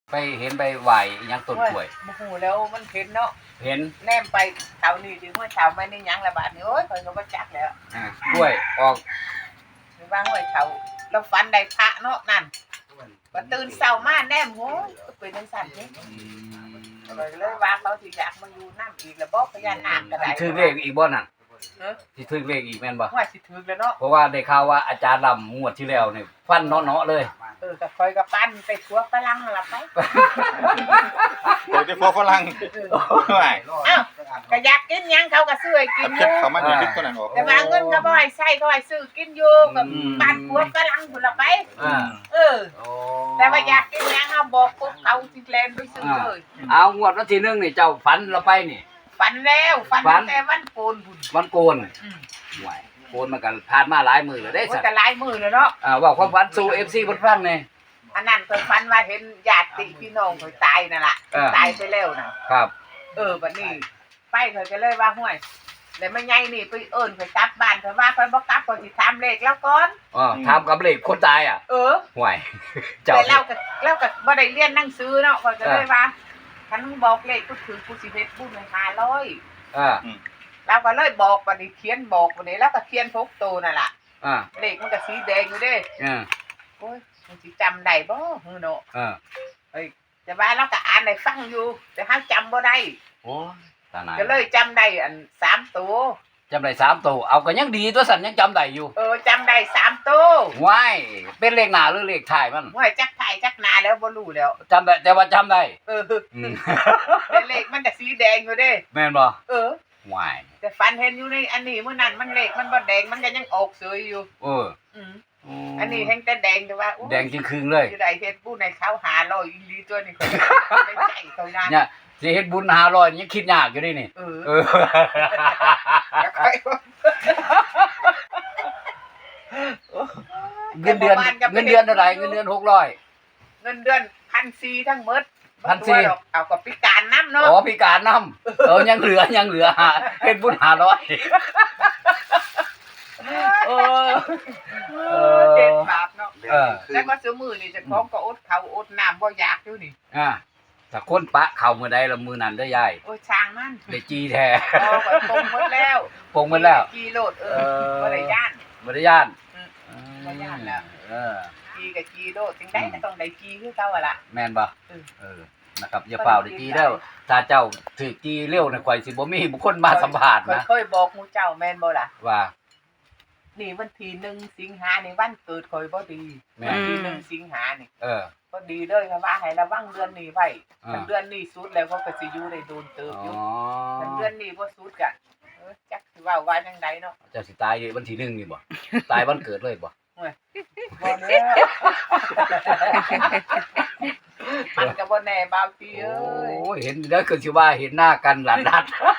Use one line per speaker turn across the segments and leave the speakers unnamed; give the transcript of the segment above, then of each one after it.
ไปเห็นใบไหวยังต้นกล้วย
โอ้โหแล้วมันเห็นเนาะ
เห็น
แนมไปเท่านี้ถึงว่าเท่าไม่ได้ยังละบาทนี่โอ้ยคอยก็บ่จักแล้ว
กล้วยออก
หรือว่าห้วยเท่าเราฝันได้พระเนาะนั่นก็ตื่นเช้ามาแนมโหเป็นจังซั่นเด้เลยว่าเขาสิอยากมาอยู่น้ำอีกแล้วบ่พญานาคก็ได้
ถือเลขอีกบ่นั่นสิถือเลขอีกแม่นบ่
ว่าสิถึกแล้วเนาะ
เพราะว่าได้ข่าวว่าอาจารย์ลำงวดที่แล้วนี่ฟันเนาะๆเลย
ก็คอยก็ปั้นไปทั่วฝรั่งนั่นล่ะไป
เดี๋ยวจะพอฝรั่ง
อ้าวก็อยากกินหยังเขาก็ซื้อให้กินอยู่
เขามาอยู่ที่คนนั้นออก
แต่ว่าเงินก็บ่ให้ใช้ก็ให้ซื้อกินอยู่กับบ้านผัวฝรั่งพุ่นล่ะไปแต่ว่าอยากกินหยังเฮาบอกปุ๊บเขาสิแล่นไปซื้อเลย
เอางวดวันที่1นี่เจ้าฝันเราไปนี่
ฝันแล้วฝันตั้งแต่วันโกนพุ่น
วันโกนห่วยโกนมันก็ผ่านมาหลายมื้อแล้วเด้
สัตว์ก็หลายมื้อแล้วเนาะ
ว่าความฝันสู่ FC เพิ่นฟังแน่
อันนั้นเพิ่นฝันว่าเห็นญาติพี่น้องเพิ่นตายนั่นล่ะตายไปแล้วน่ะ
ครับ
บัดนี้ไปเพิ่นก็เลยว่าห้วยแล้วแม่ใหญ่นี่ไปเอิ้นเพิ่นกลับบ้านเพิ่นว่าเพิ่นบ่กลับเพิ่นสิถามเลขแล้วก่อน
ถามกับเลขคนตายห่วย
เจ้าแต่เราก็บ่ได้เรียนหนังสือเนาะเพิ่นก็เลยว่าคันมึงบอกเลขกูถือกูสิเฮ็ดบุญให้500เราก็เลยบอกบัดนี้เขียนบอกบัดนี้แล้วก็เขียน6ตัวนั่นล่ะเลขมันก็สีแดงอยู่เด้โอ้ยมันสิจำได้บ่ฮือเนาะแต่ว่าเราก็อ่านได้ฟังอยู่แต่เฮาจำบ่ได้
โอ้ตาหนาย
ก็เลยจำได้อัน3ตัว
จำได้3ตัวเอาก็ยังดีตัวสันยังจำได้อยู่
จำได้3ตัว
ว้ายเป็นเลขหน้าหรือเลขท้ายมัน
ว้ายจักท้ายจักหน้าแล้วบ่รู้แล้ว
จำได้แต่ว่าจำได้
แต่เลขมันก็สีแดงอยู่เด้
แม่นบ่
ว้ายแต่ฝันเห็นอยู่ในอันนี้มื้อนั้นมันเลขมันบ่แดงมันก็ยังออกสวยอยู่อันนี้แฮงแต่แดงแต่ว่า
แดงจริงคืนเลย
สิได้เฮ็ดบุญให้เขา500อีหลีตัวนี้ก็ได้ใจเขานาน
เนี่ยสิเฮ็ดบุญ500ยังคิดยากอยู่ดินี่เงินเดือนเท่าไหร่เงินเดือน600
เงินเดือน 1,400 ทั้งหมด1,400เอาก็พิการนำเนาะ
พิการนำยังเหลือเฮ็ดบุญ500
เด็ดบาปเนาะแล้วก็ซื้อมื้อนี่เจ้าของก็อดข้าวอดน้ำบ่อยากอยู่นี่
ถ้าคนปะเข้ามื้อใดละมื้อนั้นเด้อยาย
โอ้ช่างมัน
ได้จีแท้
ปงหมดแล้วจีโลดบ่ได้ย่าน
บ่ย่าน
แล้วจีกับจีโลดจังได๋ก็ต้องได้จีคือเก่าล่ะ
แม่นบ่นะครับอย่าเปล่าได้จีแล้วถ้าเจ้าถือจีเร็วน่ะข่อยสิบ่มีบุคคลมาสัมภาษณ์นะ
เคยบอกหมู่เจ้าแม่นบ่ล่ะ
ว่า
นี่วันที่1สิงหานี่วันเกิดข่อยบ่ดีวันที่1สิงหานี่ก็ดีเด้อค่ะว่าให้ระวังเดือนนี้ไว้ถ้าเดือนนี้สุดแล้วก็สิอยู่ได้โดนเติบอยู่ถ้าเดือนนี้บ่สุดก็จักสิว่าว่าจังไดเนาะ
เจ้าสิตายวันที่1นี่บ่ตายวันเกิดเลยบ่
บ่แน่มันก็บ่แน่บางทีเอ้ย
โอ้ยเห็นแล้วคือสิว่าเห็นหน้ากันหลานนัด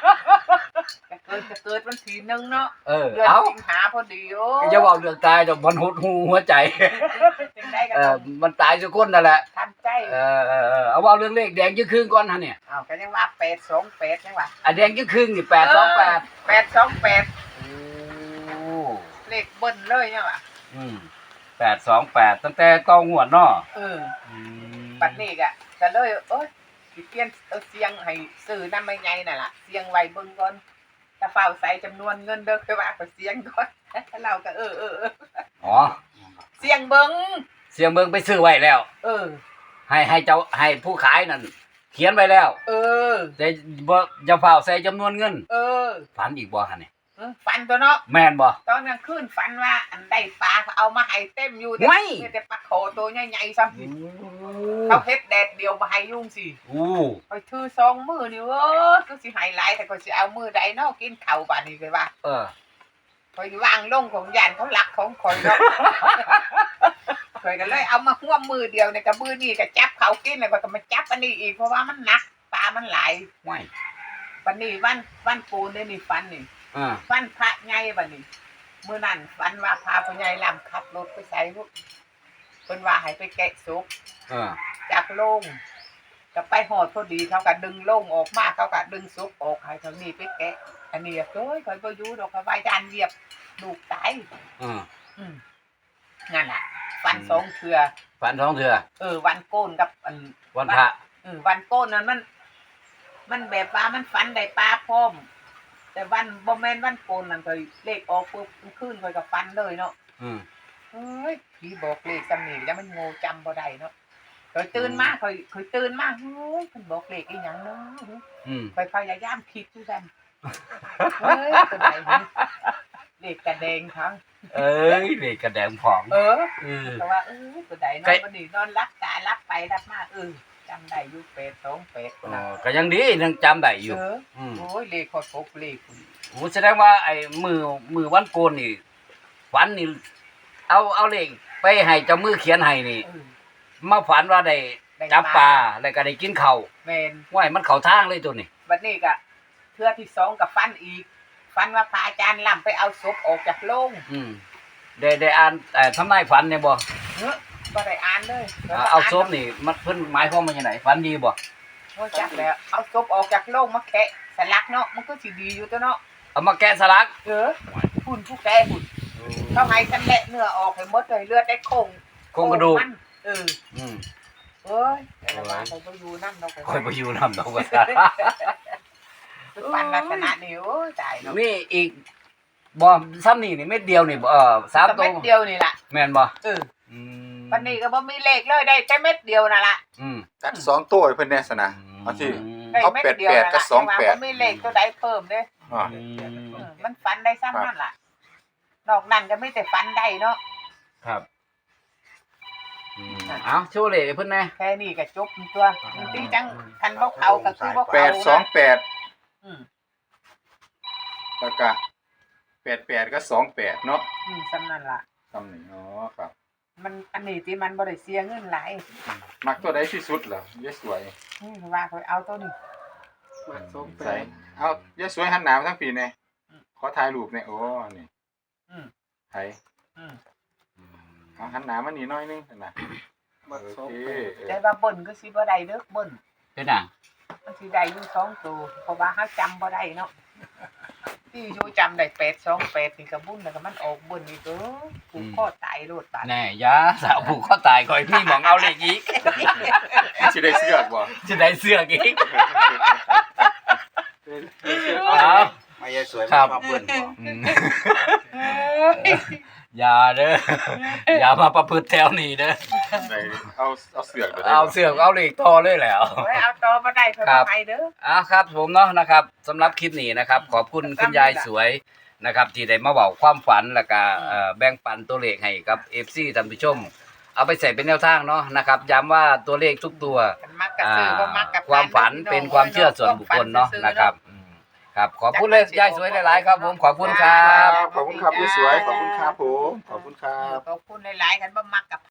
เกิดวันที่1เนาะ
เดื
อนสิงหาพอดีโอ้
อย่าเว้าเรื่องตายดอกมันหดหูหัวใจมันตายทุกคนนั่นแหละ
ทันใจ
เอาเว้าเรื่องเลขแดงยี่ครึ่งก่อนฮะเนี่ย
ก็ยังว่า828จังว่า
แดงยี่ครึ่งนี่828
เลขเบิ้นเลยจังว่า
828ตั้งแต่ต่องวดเนาะ
ปัดนี้ก็เลยสิเปลี่ยนเสียงให้ซื้อนำใหญ่ๆนั่นล่ะเสียงไว้เบิ่งก่อนถ้าเฝ้าใส่จำนวนเงินเด้อคือว่าก็เสียงก่อนเราก็เสียงเบิ่ง
ไปซื้อไว้แล้วให้เจ้าให้ผู้ขายนั่นเขียนไว้แล้วแต่บ่จะเฝ้าใส่จำนวนเงินฝันอีกบ่หั่นนี่
ฝันตัวเนาะ
แม่นบ่
ตอนกลางคืนฝันว่าอันได้ปลาเขาเอามาให้เต็มอยู่แต่ปลาโขตัวใหญ่ๆซ้ำเขาเฮ็ดแดดเดียวมาให้ยุ่งสิไปถือ2มื้อนี่ก็สิให้หลายแต่ก็สิเอามื้อใดเนาะกินข้าวบัดนี้ไปว่าข่อยวางลงของย่านเขาลักของข่อยเนาะข่อยก็เลยเอามาห่วมมือเดียวในกระมือนี่ก็จับเขากินแล้วก็มาจับอันนี้อีกเพราะว่ามันหนักปลามันหลายวันนี้วันปูนนี่ฝันนี่ฝันพระใหญ่บัดนี้มื้อนั้นฝันว่าพาพ่อใหญ่ลำขับรถไปใส่ลูกเพิ่นว่าให้ไปแกะศพจากโรงก็ไปหอดพอดีเขาก็ดึงโรงออกมาเขาก็ดึงศพออกให้ทางนี้ไปแกะอันนี้โอ้ยข่อยบ่อยู่ดอกว่าย่านเหยียบลูกตายนั่นล่ะฝัน 2เทื่อ
ฝันสองเทื่อ
วันโกนกับอัน
วันพระ
วันโกนนั้นมันแบบว่ามันฝันได้ปลาพร้อมแต่วันบ่แม่นวันโกนนั่นเคยเลขออกปุ๊บขึ้นเคยกับฝันเลยเนาะ
อืม
เฮ้ยพี่บอกเลขจำนี่แล้วมันโง่จำบ่ได้เนาะเคยตื่นมาเคยตื่นมาเฮ้ยเพิ่นบอกเลขอีหยังเนาะ
อืม
เคยพยายามคิดอยู่ซั่นเฮ้ยตัวใดนี่เลขกระแดงทั้ง
เอ้ยเด็กกระแดงผอง
แต่ว่าตัวใดเนาะวันนี้นอนรับตารับไปรับมาจำได้อยู่828คนน่ะ
ก็ยังดียังจำได้อยู่
โอ้ยเลขขอดพกเลขคุณ
โอ้แสดงว่าไอ้มือวันโกนนี่ฝันนี่เอาเลขไปให้เจ้ามือเขียนให้นี่มาฝันว่าได้จับปลาแล้วก็ได้กินข้าว
แม่น
ว้ายมันเข้าทางเลยตัวนี้
บัดนี้ก็เทื่อที่2กับฟันอีกฟันว่าพระอาจารย์ล่ำไปเอาศพออกจากโลง
ได้อ่านทำนายฝันเนี่ยบ่
บ่ได้อ่านเลย
เอาศพนี่มันเพิ่นหมายความว่าจังไดฝันดีบ่
โอ้จักแล้วเอาศพออกจากโลงมาแกะสลักเนาะมันก็สิดีอยู่ตัวเนาะ
เอามาแกะสลัก
หุ่นผู้แกะหุ่นเขาให้กันแหละเนื้อออกให้หมดเลยเลือดได้โคง
โครงกระดูก
มันเอ้ยแต่ว่าเขาไปอยู่นั่นเรา
ค่อยไปอยู่นำดอกว่า
ปันลักษณะนี้โอ้ยตายเนาะ
มีอีกบ่ซ้ำนี่นี่เม็ดเดียวนี่3
เม็ดเดียวนี่ล่ะ
แม่นบ่
วันนี้ก็บ่มีเลขเลยได้แค่เม็ดเดียวนั่นล่ะ
กัด2ตัวให้เพิ่นแน่ซะนะเอาสิ
ได้
เอา
เม็ดเดียว
88กับ28
บ่มีเลขตัวใดเพิ่มเด้
อ่า
มันฝันได้ซ้ำนั่นล่ะนอกนั้นก็ไม่แต่ฝันได้เนาะ
ครับเอาโชว์เลขให้เพิ่นแน่
แค่นี้ก็จบตัวจริงจังคันบ่เขาก็คือบ่เขานะ
828
อืม
แล้วก็88ก็28เนาะ
ซ้ำนั่นล่ะ
คำนี้อ๋อครับ
มันอันนี้ที่มันบ่ได้เสียเงินหลาย
มักตัวใดที่สุดเหรอยายสวย
ว่าเขาเอาตัวนี้
ใส่เอายายสวยหันหน้ามาทางปีแน่ขอถ่ายรูปแน่โอ้นี่
อืม
ไผ
อืม
เอาหันหน้ามานี่หน่อยนึงนะโอเค
แต่ว่าเบิ่นก็สิบ่ได้เด้อเบิ่น
เป็นหยัง
มันสิได้อยู่2ตัวเพราะว่าเฮาจำบ่ได้เนาะที่อยู่จำได้828นี่ก็บุญแล้วก็มันออกเบิ่นอีกผูกคอตายโลดบาด
แน่ยาสาวผูกคอตายคอยพี่หมองเอาเลขอีก
สิได้เสื้อกบ่
จะได้เสื้ออีกเอา
มายายสวย
ครับ
มาเบิ้ลบ่
อย่าเด้ออย่ามาประพฤติแถวนี้เด้อ
ได้เอาเสื้อกบ่ได้
เอาเสื้อเอาเลขต่อเลยแหล้ว
โอ้ยเอาต่อบ่ได้เพิ่นบ่ให้เด้อ
ครับผมเนาะนะครับสำหรับคลิปนี้นะครับ ขอบคุณคุณยายสวยนะครับที่ได้มาเว้าความฝันแล้วก็แบ่งปันตัวเลขให้กับ FC ท่านผู้ชม เอาไปใส่เป็นแนวทางเนาะนะครับย้ำว่าตัวเลขทุกตัว
กันมักกะซื้อบ่มักกะ
ความฝันเป็นความเชื่อส่วนบุคคลเนาะนะครับครับขอบคุณเลยยายสวยหลายๆครับผมขอบคุณครับ
ขอบคุณครับยายสวยขอบคุณครับผมขอบคุณครับ
ขอบคุณหลายๆกันบ่มักกับ